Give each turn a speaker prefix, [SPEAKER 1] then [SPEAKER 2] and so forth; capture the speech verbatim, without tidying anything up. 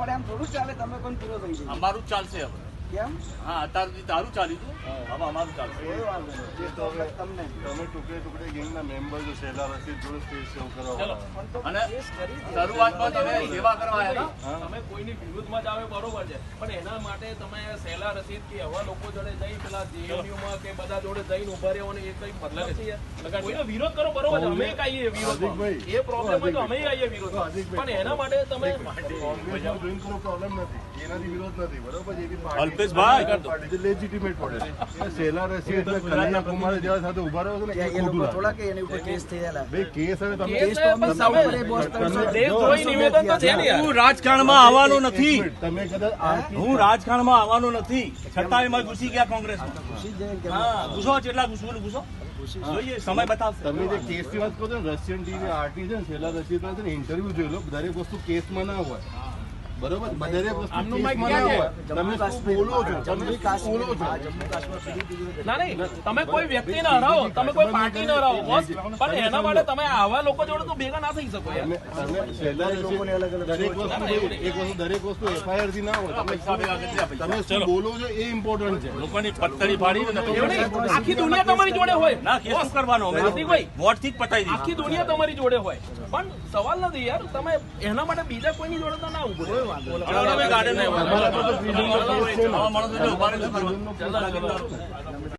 [SPEAKER 1] પણ એમ થોડું ચાલે, તમે કોણ પૂરો થઈ જાય?
[SPEAKER 2] અમારું ચાલશે હવે.
[SPEAKER 1] કેમ?
[SPEAKER 2] હા, અત્યારે તારું ચાલ્યું હતું, હવે અમારું ચાલશે.
[SPEAKER 1] કોઈ વાંધો નહીં.
[SPEAKER 3] એ તો હવે
[SPEAKER 1] તમને
[SPEAKER 3] તમે ટુકડે ટુકડે ગેંગના મેમ્બર છો, સહેલા રસીદ જોડે સ્ટેજ સેવ કરવા
[SPEAKER 1] પણ તો
[SPEAKER 2] અને
[SPEAKER 1] કેસ કરી દીધો.
[SPEAKER 2] શરૂઆતમાં તમે સેવા કરવા આવ્યા હતા.
[SPEAKER 4] તમે કોઈની વિરુદ્ધમાં જ આવે બરોબર છે, પણ એના માટે તમે સહેલા રસીદ કે એવા લોકો જોડે જઈ પેલા જેએનયુમાં કે બધા જોડે જઈને ઉભા રહેવાનો એ કઈ મતલબ છે યાર? કોઈનો વિરોધ કરો બરોબર છે, અમે આવીએ વિરોધમાં, એ પ્રોબ્લેમ હોય તો અમે આવીએ વિરોધમાં, પણ એના માટે તમે
[SPEAKER 3] કોંગ્રેસનો જોઈન કરવો પ્રોબ્લેમ નથી, એનાથી વિરોધ નથી, બરોબર છે? એવી
[SPEAKER 2] અલ્પેશભાઈ.
[SPEAKER 3] પાર્ટી લેજિટિમેટ પડે. સહેલા રસીદ એટલે કનૈયા કુમાર જેવા સાથે ઉભા રહ્યો છો ને, એ
[SPEAKER 1] એ લોકો
[SPEAKER 3] ખોટું
[SPEAKER 1] થોડા
[SPEAKER 3] લાગે.
[SPEAKER 1] કે એની ઉપર કેસ થયેલા.
[SPEAKER 3] ભાઈ કેસ હવે તમે
[SPEAKER 1] કેસ તો અમે સાઉથ પર બોસ ત્રણસો
[SPEAKER 4] દેશદ્રોહી નિવેદન તો છે ને યાર.
[SPEAKER 2] હું રાજકારણમાં આવવાનો નથી,
[SPEAKER 3] તમે કદાચ આ
[SPEAKER 2] હું રાજકારણમાં આવવાનો નથી, છતાં એમાં ઘૂસી ગયા કોંગ્રેસમાં.
[SPEAKER 1] ખુશી જાય કે
[SPEAKER 2] હા, ઘૂસો કેટલા ઘૂસવું ઘૂસો જોઈએ, સમય બતાવશે.
[SPEAKER 3] તમે જે કેસની વાત કરો છો ને, રશિયન ટીવી આરટી છે ને, સહેલા રસીદ છે ને, ઇન્ટરવ્યુ જોઈ લો. દરેક વસ્તુ કેસમાં ના હોય, બરોબર? દરેક વસ્તુ
[SPEAKER 4] આમનું
[SPEAKER 3] કેસમાં
[SPEAKER 4] માઇક
[SPEAKER 3] ના
[SPEAKER 4] ક્યાં
[SPEAKER 3] હોય.
[SPEAKER 4] છે?
[SPEAKER 3] તમે શું બોલો છો? તમે
[SPEAKER 1] જમ્મુ
[SPEAKER 3] શું
[SPEAKER 1] કાશ્મીર
[SPEAKER 3] બોલો છો?
[SPEAKER 1] હા, જમ્મુ કાશ્મીર પીડીપી
[SPEAKER 4] ના નહીં, તમે કોઈ વ્યક્તિને હરાવો, તમે કોઈ પાર્ટીને હરાવો બોસ, પણ એના માટે તમે આવા લોકો જોડે તો ભેગા ના થઈ શકો યાર.
[SPEAKER 3] તમે તમે સહેલા
[SPEAKER 1] લોકોને અલગ અલગ
[SPEAKER 3] દરેક વસ્તુ એક વસ્તુ દરેક વસ્તુ એફઆઈઆર થી ના હોય. તમે શું- તમે શું બોલો છો એ ઇમ્પોર્ટન્ટ છે.
[SPEAKER 2] લોકોની પત્તરી ફાડી ને
[SPEAKER 4] એવું નહીં, આખી દુનિયા તમારી જોડે હોય
[SPEAKER 2] ના, કેસ શું કરવાનો? અમે
[SPEAKER 4] હાર્દિકભાઈ,
[SPEAKER 2] વોટથી જ પતાવી દઈશું.
[SPEAKER 4] આખી દુનિયા તમારી જોડે હોય, પણ સવાલ નથી યાર, તમે એના માટે બીજા કોઈની જોડે તો ના ઉભો રહો.
[SPEAKER 2] અમે ગાર્ડન
[SPEAKER 3] તમારા પર તો freedom of speech છે ને.
[SPEAKER 2] આવા માણસો ઉભા રહે છે.
[SPEAKER 3] freedom of speech છે.